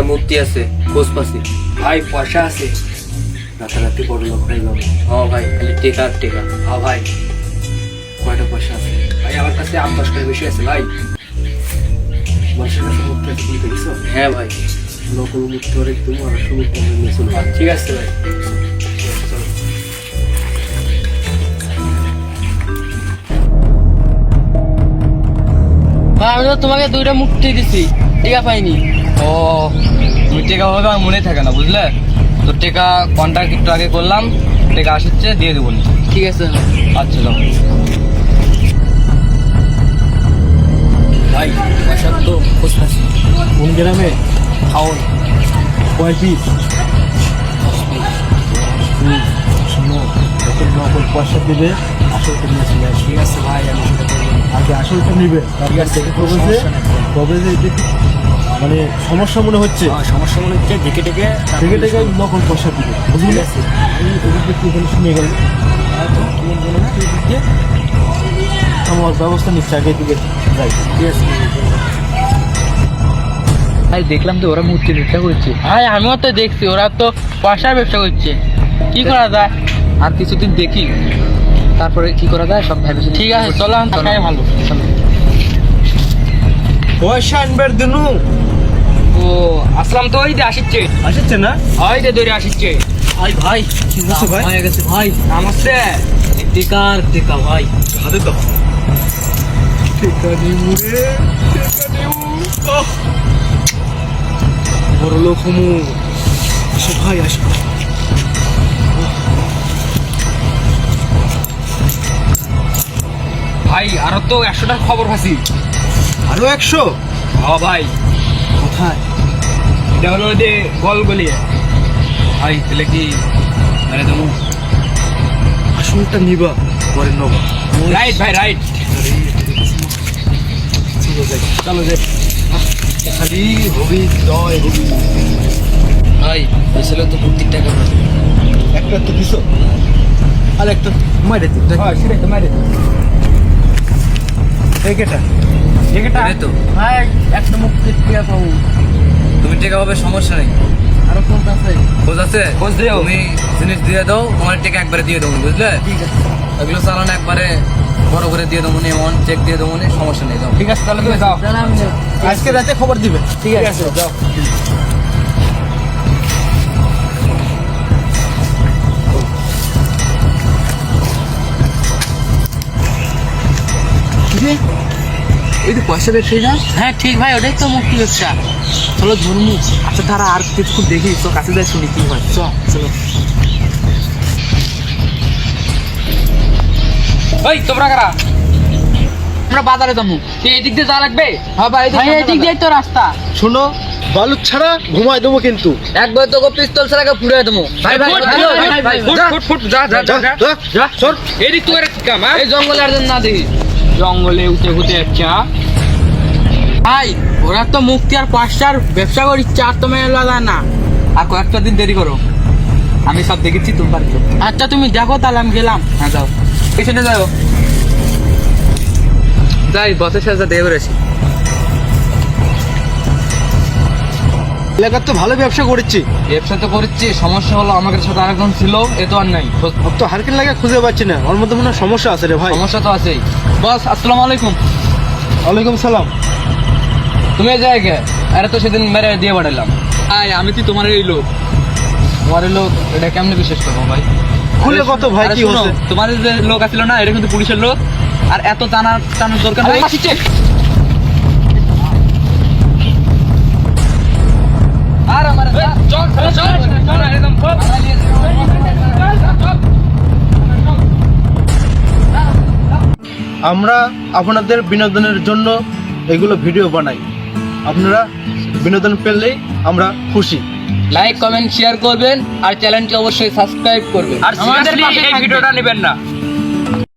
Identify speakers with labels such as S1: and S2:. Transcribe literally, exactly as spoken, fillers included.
S1: একটা মূর্তি আছে, খোঁজ পাচ্ছি।
S2: ভাই পয়সা আছে, রাতারাতি বড় লোক হয়ে যাবো।
S1: হ্যাঁ ভাই, খালি টেকা আর টেকা।
S2: হ্যাঁ ভাই, কয়টা পয়সা আছে? ভাই আমার কাছে আট দশ টাকা বেশি আছে ভাই। মানুষের কাছে মুক্তি আছে, তুমি দেখছো?
S1: হ্যাঁ ভাই,
S2: নকল মুক্তি করে তুমি আর সুমুক্তি নিয়ে চলো।
S1: ঠিক আছে ভাই।
S2: চলো।
S3: আমি তো তোমাকে দুইটা মুক্তি দিছি, টিকা পাইনি।
S1: ও, তুমি টেকা ভাবে আমার মনে থাকে না, বুঝলে তো। টেকা কন্ট্যাক্ট একটু আগে করলাম, টেকা আসছে, দিয়ে দেবো।
S3: ঠিক আছে
S1: আচ্ছা যাও।
S2: ভাই পয়সা তো খোঁজ পাচ্ছি। কোন গ্রামে? খাওন। কয় পিস? শোনো, যত নকল পয়সা দেবে আসলটা নিয়ে চলে আসবে। ঠিক আছে ভাই, আমি সেটা করবো। আগে আসলটা নিবে, ঠিক আছে? তবে যে তবে যে এদিকে মানে সমস্যা মনে হচ্ছে, সমস্যা মনে হচ্ছে, ডেকে ডেকে ডেকে ডেকে নকল পয়সা দিবে, বুঝলি? আমি ওদিকে একটু এখানে শুনে গেল, তোমার মনে হচ্ছে এদিকে আমার ব্যবস্থা নিচ্ছে, আগে দিকে যাই। ঠিক আছে
S3: ভাই, দেখলাম তো ওরা মূর্তি ব্যবসা করছে। ভাই আমিও তো দেখছি, ওরা তো পয়সার ব্যবসা করছে। কি করা যায়?
S1: আর কিছুদিন দেখি, তারপরে কি করা যায় সব ভেবে।
S3: ঠিক আছে, চলো আমি থাকাই ভালো।
S2: পয়সা আনবার দিনু।
S1: ও আসলাম তো, ওই যে আসছে,
S2: আসছে না?
S1: ওই যে দৌড়ে আসছে।
S2: ভাই ভাই কি হচ্ছে ভাই?
S1: হয়ে গেছে ভাই, নামছে টেকার টেকা ভাই।
S2: হাতে তো টেকা নিমু রে, টেকা নিমু। ওহ, বড় লোক হমু। আসো ভাই, আসো।
S1: ভাই আরো তো একশোটার খবর পাচ্ছি।
S2: আরো একশো?
S1: হ্যাঁ ভাই,
S2: কোথায়?
S1: এটা হলো যে গল গলিয়ে। ভাই তাহলে কি মানে তুমি
S2: আসলটা নিবা, পরে নবা।
S1: রাইট ভাই, রাইট।
S2: চলো যাই, চলো যাই। খালি হবি, জয় হবি।
S1: ভাই আসলে তো প্রত্যেক টাকা
S2: একটা তো দিছো, আর একটা মাইরে দিন।
S1: হয়, সেটাই তো মারে
S2: এই কেটা
S1: টেকাটা তো।
S3: ভাই একটা মুক্তি টিকা পাবো।
S1: তুমি টেকা পাবে, সমস্যা নেই।
S3: আরো কোনটা আছে?
S1: খোঁজ আছে, খোঁজ দিও। তুমি জিনিস দিয়ে দাও, তোমার টেকা একবারে দিয়ে দেবো, বুঝলে?
S3: ঠিক আছে,
S1: এগুলো চালানো একবারে বড় করে দিয়ে দেবো, এমন চেক দিয়ে দেবো, সমস্যা নেই। যাও, ঠিক আছে তাহলে তুমি যাও।
S3: তাহলে আমি যাই।
S2: আজকে রাতে খবর দিবে।
S3: ঠিক আছে,
S2: যাও।
S1: এই যে পয়সা ব্যবসায়ী না?
S3: হ্যাঁ ঠিক ভাই, ওটাই তো মুক্তি ব্যবসা। চলো ধর্ম।
S1: আচ্ছা তারা আর কিছু দেখি, তো কাছে যাই, শুনি কি হয়।
S3: চল চলো।
S1: ওই তোমরা কারা?
S3: আমরা বাজারে যাবো।
S1: এই দিক দিয়ে যা লাগবে।
S3: হ্যাঁ ভাই, এই দিক দিয়ে তো রাস্তা।
S2: শোনো, বালুক ছাড়া ঘুমাই দেবো কিন্তু।
S1: একবার তোকে পিস্তল ছাড়া পুড়ে দেবো। ভাই ভাই
S3: ফুট,
S1: হ্যালো,
S3: ফুট,
S1: ভাই, ভাই,
S3: ফুট,
S1: যা, ফুট ফুট যা যা যা যা
S2: যা,
S1: যা
S2: সর।
S1: এই দিক তোর কাম। এই জঙ্গলে আর যেন না দেখি, জঙ্গলে উঠে উঠে যাচ্ছে।
S3: ভাই ওরা তো মুক্তি আর পয়সার ব্যবসা করিচ্ছে, আর তো মেলা যায় না।
S1: আর কয়েকটা দিন দেরি করো, আমি সব দেখেছি তোমার।
S3: আচ্ছা তুমি দেখো, তাহলে আমি গেলাম।
S1: হ্যাঁ যাও, পেছনে যাও। যাই বসের সাথে দেখে বেরোছি।
S2: এলাকার তো ভালো ব্যবসা করেছি।
S1: ব্যবসা তো করছি, সমস্যা হলো আমাদের সাথে আরেকজন ছিল, এ তো আর নাই।
S2: ওর তো হারকেল লাগে খুঁজে পাচ্ছি না, ওর মধ্যে মনে হয় সমস্যা আছে রে ভাই।
S1: সমস্যা তো আছেই। বস আসসালামু আলাইকুম।
S2: ওয়ালাইকুম সালাম।
S1: তুমি এই জায়গায়, আরে তো সেদিন মেরে দিয়ে পাঠালাম। আয় আমি কি তোমার এই লোক? তোমার এই লোক, এটা কেমনে বিশ্বাস করবো ভাই?
S2: খুলে কত ভাই,
S1: আরে
S2: কি
S1: শোনো,
S2: হচ্ছে?
S1: তোমার যে লোক আছিল না, এটা কিন্তু পুলিশের লোক। আর এত টানার টানার দরকার নেই। আর আমার চল চল চল একদম খুব
S2: আমরা আপনাদের বিনোদনের জন্য এগুলো ভিডিও বানাই, আপনারা বিনোদন পেলেই আমরা খুশি।
S1: লাইক কমেন্ট শেয়ার করবেন, আর চ্যানেলটি অবশ্যই সাবস্ক্রাইব করবেন। আর
S3: আমাদের
S1: আমাদের
S3: পাশে
S1: এই
S3: থাকবেন।
S1: ভিডিওটা নেবেন না।